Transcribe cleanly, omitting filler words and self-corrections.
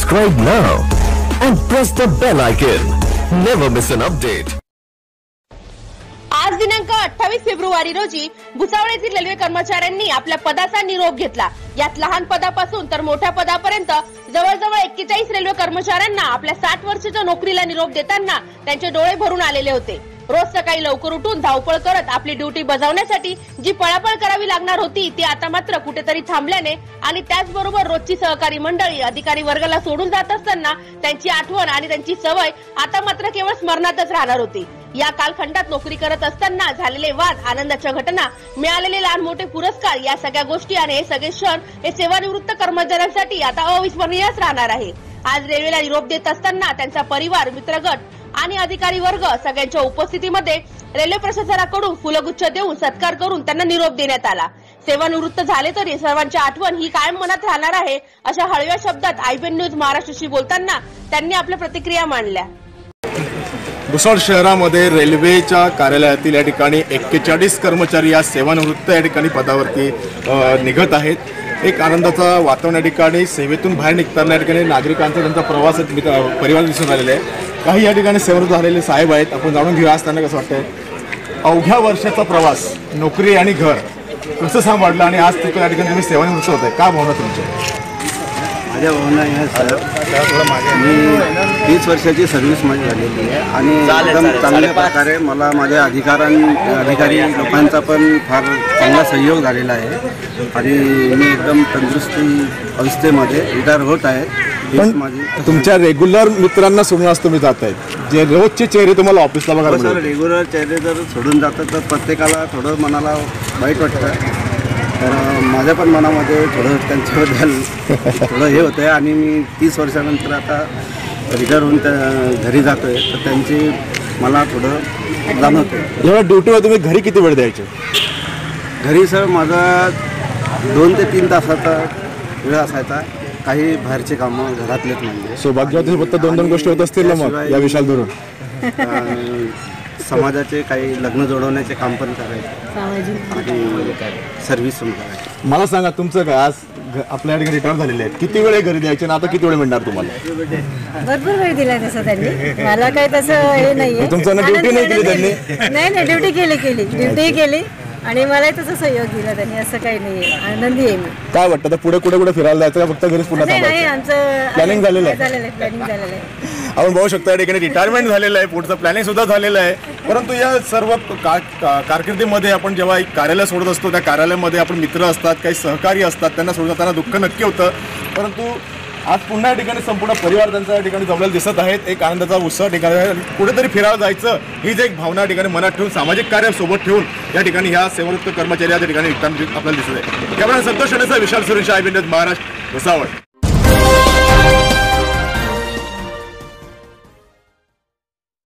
Subscribe now and press the bell icon. Never miss an update. आज दिनांक 28 February रोजी भुसावळ येथील रेल्वे कर्मचाऱ्यांनी आपल्या पदाचा निरोप घेतला। यात लहान पदापासून तर मोठ्या पदापर्यंत जवळजवळ 41 रेल्वे कर्मचाऱ्यांना आपल्या 60 वर्षाच्या नोकरीला निरोप देताना त्यांचे डोळे भरून आलेले होते। रोज सकाळी लवकर उठून धावपळ करत आपली ड्युटी बजावण्यासाठी जी पळापळ करावी लागणार होती ती आता मात्र कुठेतरी थांबल्याने आणि त्याचबरोबर रोजची सहकारी मंडळी अधिकारी वर्गाला सोडून जात असताना त्यांची आठवण आणि त्यांची सवय आता मात्र केवळ स्मरणातच राहणार होती। या कालखंडात नोकरी करत असताना झालेले वाद, आनंदाच्या घटना, मिळालेले लहान मोठे पुरस्कार या सगळ्या गोष्टी आणि हे सगळे क्षण हे सेवानिवृत्त कर्मचाऱ्यांसाठी आता अविस्मरणीयच राहणार आहे। आज रेल्वेला निरोप देत असताना त्यांचा परिवार, मित्रगट आणि अधिकारी वर्ग सगळ्यांच्या उपस्थितीमध्ये रेल्वे प्रशासनाकडून फुलगुच्छ देऊन सत्कार करून त्यांना निरोप देण्यात आला। सेवानिवृत्त झाले तरी सर्वांची आठवण ही कायम मनात राहणार आहे अशा हळव्या शब्दात IBN न्यूज महाराष्ट्राशी बोलताना त्यांनी आपल्या प्रतिक्रिया मांडल्या। भुसावळ शहरामध्ये रेल्वेच्या कार्यालयातील या ठिकाणी 41 कर्मचारी या सेवानिवृत्त या ठिकाणी पदावरती निघत आहेत। एक आनंदाचा वातावरण या ठिकाणी सेवेतून बाहेर निघताना या ठिकाणी नागरिकांचा त्यांचा प्रवास परिवार दिसून आलेला आहे। काही या ठिकाणी सेवानिवृत्त झालेले साहेब आहेत, आपण जाणून घेऊया असताना कसं वाटतंय अवघ्या वर्षाचा प्रवास, नोकरी आणि घर कसं सांभाळलं आणि आज तिकडे या ठिकाणी तुम्ही सेवानिवृत्त होत आहे, का भावना तुमच्या? माझ्या भावना आहे सर, मी 30 वर्षाची सर्व्हिस माझी झालेली आहे आणि एकदम चांगल्या प्रकारे मला माझ्या अधिकारी लोकांचा पण फार चांगला सहयोग झालेला आहे आणि मी एकदम तंदुरुस्ती अवस्थेमध्ये रिटायर होत आहे। माझी तुमच्या रेग्युलर मित्रांना सोडून तुम्ही जात आहेत, जे रोजचे चेहरे तुम्हाला ऑफिसला बघायला मिळतात। रेग्युलर चेहरे जर सोडून जातात तर प्रत्येकाला थोडं मनाला वाईट वाटतं, तर माझ्या पण मनामध्ये थोडं त्यांच्याबद्दल थोडं हे होतं आहे आणि मी 30 वर्षानंतर आता रिटायर होऊन घरी जातो आहे, तर त्यांची मला थोडं जाणवतं आहे। जेव्हा ड्युटीवर तुम्ही घरी किती वेळ द्यायचे? घरी सर माझा 2 ते 3 तासाचा वेळ असायचा, काही बाहेरचे कामं घरातलेच म्हणजे सौभाग्यवती फक्त 2-2 गोष्टी होत असतील ना मग या विशाल धरून? समाजाचे काही लग्न जोडवण्याचे काम पण करायचे आणि सर्व्हिस पण करायची। मला सांगा तुमचं काय आज आपल्या ठिकाणी रिटायर झालेले आहेत, किती वेळ घरी द्यायचे आणि आता किती वेळ मिळणार तुम्हाला? भरपूर वेळ दिला तसं त्यांनी, मला काही तसं हे नाहीये। तुमचं ड्युटी नाही केली त्यांनी? नाही, ड्युटी ड्युटी केली आणि मलाही तसं सहयोग दिला त्यांनी, असं काही नाहीये, आनंदी आहे मी। काय वाटतं पुढे कुठे फिरायला जायचं का फक्त घरीच पुन्हा नाही, आमचं प्लॅनिंग झालेलं आहे? प्लॅनिंग झालेलं आहे। आपण बघू शकता या ठिकाणी रिटायरमेंट झालेलं आहे, पुढचं प्लॅनिंग सुद्धा झालेलं आहे। परंतु या सर्व कारकिर्दीमध्ये आपण जेव्हा एक कार्यालय सोडत असतो त्या कार्यालयामध्ये आपण मित्र असतात, काही सहकारी असतात, त्यांना सोडत जाताना दुःख नक्की होतं। परंतु आज पुन्हा या ठिकाणी संपूर्ण परिवार त्यांचा या ठिकाणी जमलेला दिसत आहेत। एक आनंदाचा उत्सव ठिकाणी कुठेतरी फिरायला जायचं हीच एक भावना ठिकाणी मनात ठेवून सामाजिक कार्य सोबत ठेवून या ठिकाणी ह्या सेवानिवृत्त कर्मचारी या ठिकाणी आपल्याला दिसत आहे। त्यामुळे संतोष विशाल सुरेश IBN न्यूज महाराष्ट्र भुसावळ।